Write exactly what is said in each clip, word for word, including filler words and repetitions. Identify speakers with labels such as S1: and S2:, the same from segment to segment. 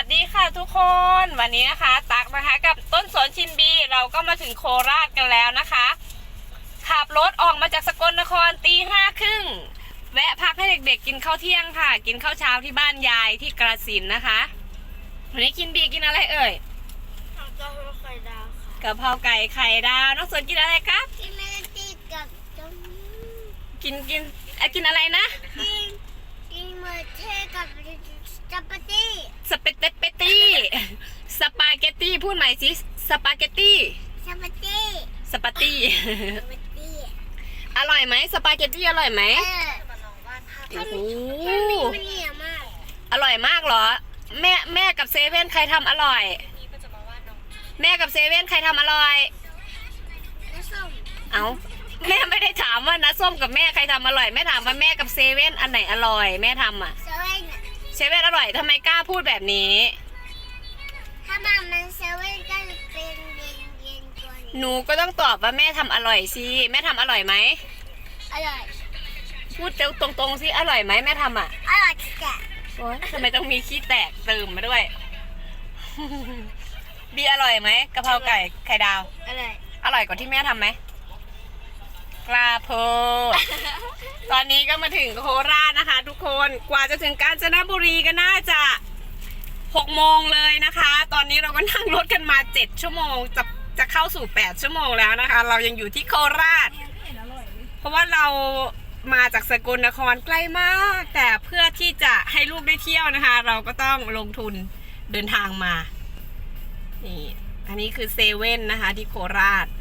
S1: ดีค่ะทุกคนวันนี้นะคะตักนะคะกับต้นสนชินบีเราก็มาถึงโคราชกันแล้วนะคะขับรถออกมาจากสกลนครตีห้าครึ่งแวะพักให้เด็กๆกินข้าวเที่ยงค่ะกินข้าวเช้าที่บ้านยายที่กระสินนะคะวันนี้กินบีกินอะไรเอ่ย
S2: กะเพราไข่ดาวค่ะ
S1: กะเพราไก่ไข่ดาวน้องสนกินอะไรครับ
S2: กินเมลตี้กับจม
S1: กินกินกินอะไรนะ
S2: กินกินเมลเทกับสปาเกตตี้
S1: สเปเตเปตี้สปาเกตตี้พูดใหม่สิสปาเกตตี้
S2: สปาเกตตี้
S1: สปาตี้
S2: สปาเกตตี้
S1: อร่อยไหมสปาเกตตี้อร่อยไหม
S2: เออโอ้โหมันเหนียวมาก
S1: อร่อยมากเหรอแม่แม่กับเซเว่นใครทำอร่อยแม่กับเซเว่นใครทำอร่อย
S2: น้ำส้ม
S1: เอาแม่ไม่ได้ถามว่าน้าส้มกับแม่ใครทำอร่อยแม่ถามว่าแม่กับเซเว่นอันไหนอร่อยแม่ทำอ่ะ
S2: เซเว่น
S1: เซเว่นอร่อยทำไมกล้าพูดแบบนี้
S2: ถ้ามันมันเซเว่นก็จะเป็นเย็นเย็นกว่านี้
S1: หนูก็ต้องตอบว่าแม่ทำอร่อยสิแม่ทำอร่อยไหม
S2: อร่อย
S1: พูดตรงๆสิอร่อยไหมแม่ทำอ่ะ
S2: อร่อยจ้ะ
S1: โอ๊ยทำไมต้องมีขี้แตกเติมมาด้วย บีอร่อยไหมกะเพราไก่ไข่ดาว
S2: อร่อย
S1: อร่อยกว่าที่แม่ทำไหมกล้าพูด ตอนนี้ก็มาถึงโคราชนะคะ ทุกคนกว่าจะถึงกาญจนบุรีก็น่าจะหกโมงเลยนะคะ ตอนนี้เราก็นั่งรถกันมาเจ็ดชั่วโมงจะจะเข้าสู่แปดชั่วโมงแล้วนะคะ เรายังอยู่ที่โคราชเพราะว่าเรามาจากสกลนครใกล้มากแต่เพื่อที่จะให้ลูกได้เที่ยวนะคะ เราก็ต้องลงทุนเดินทางมานี่อันนี้คือเซเว่นนะคะที่โคราช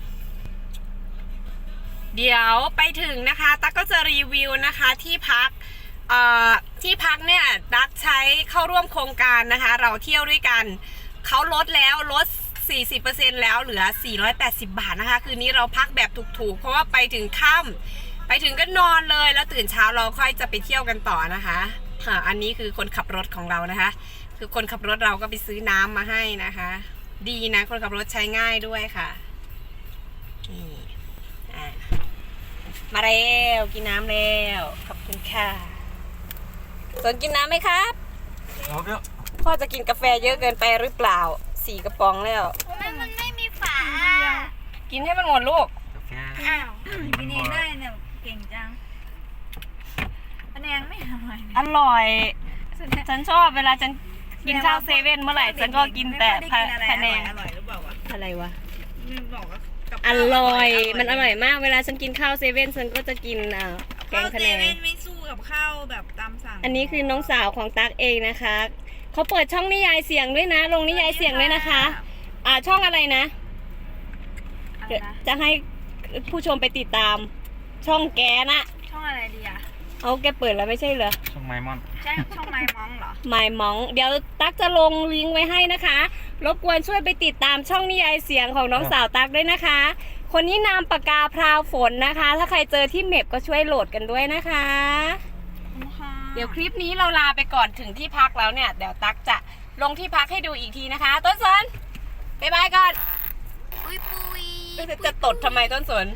S1: เดี๋ยวไปถึงนะคะตั๊กก็จะรีวิวนะคะที่พักเอ่อที่พักเนี่ยตั๊กใช้เข้าร่วมโครงการนะคะเราเที่ยวด้วยกันเขาลดแล้วลด สี่สิบเปอร์เซ็นต์ แล้วเหลือสี่ร้อยแปดสิบบาทนะคะคืนนี้เราพักแบบถูกๆเพราะว่าไปถึงค่ำไปถึงก็นอนเลยแล้วตื่นเช้าเราค่อยจะไปเที่ยวกันต่อนะคะอันนี้คือคนขับรถของเรานะคะคือคนขับรถเราก็ไปซื้อน้ำมาให้นะคะดีนะคนขับรถใช้ง่ายด้วยค่ะนี่อ่ะมาแล้วกินน้ำแล้วขอบคุณค่ะสนกินน้ำไหมครับพ่อจะกินกาแฟเยอะเกินไปหรือเปล่าสี่กระป๋องแล้ว
S2: มันมันไม่มีฝา
S1: กินให้มันหมดลูก
S2: อ้าว
S3: กินเองได้เนี่ยเก่งจังอันแนงไม่อร่อย
S1: อร่อยฉันชอบเวลาฉันกินข้าวเซเว่นเมื่อไหร่ฉันก็กินแต่พะแนง
S3: อร่อยหรือเปล่าวะ
S1: อะไรวะ
S3: บอกว่า
S1: อร่อยมันอร่อยมากเวลาฉันกินข้าวเซเว่นฉันก็จะกินอ่าแกงพะแนง
S3: ไม่สู้กับข้าวแบบตามสั่ง
S1: อันนี้คือน้องสาวของตั๊กเองนะคะเขาเปิดช่องนิยายเสียงด้วยนะลงนิยายเสียงด้วยนะคะอ่าช่องอะไรนะจะให้ผู้ชมไปติดตามช่องแกนะ
S3: ช่องอะไรดีอะ
S1: เอาแกเปิดแล้วไม่ใช่เหรอ
S4: ช่องไมมอน
S3: ใช่ช่องไมมองเหรอ
S1: ไมมองเดี๋ยวตั๊กจะลงลิงก์ไว้ให้นะคะรบกวนช่วยไปติดตามช่องนิยายเสียงของน้องสาวตั๊กด้วยนะคะคนนี้นามปากกาพราวฝนนะคะถ้าใครเจอที่เมพก็ช่วยโหลดกันด้วยนะคะเดี๋ยวคลิปนี้เราลาไปก่อนถึงที่พักแล้วเนี่ยเดี๋ยวตั๊กจะลงที่พักให้ดูอีกทีนะคะต้นสนบ๊ายบายก่อน
S2: ปุยปุย
S1: จะตดทำไมต้นสน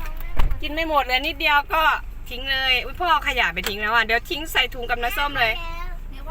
S1: กินไม่หมดเลยนิดเดียวก็ทิ้งเลยอุ้ยพ่อขยะไปทิ้งแล้วอ่ะเดี๋ยวทิ้งใส่ถุงกับน้ำส้มเลย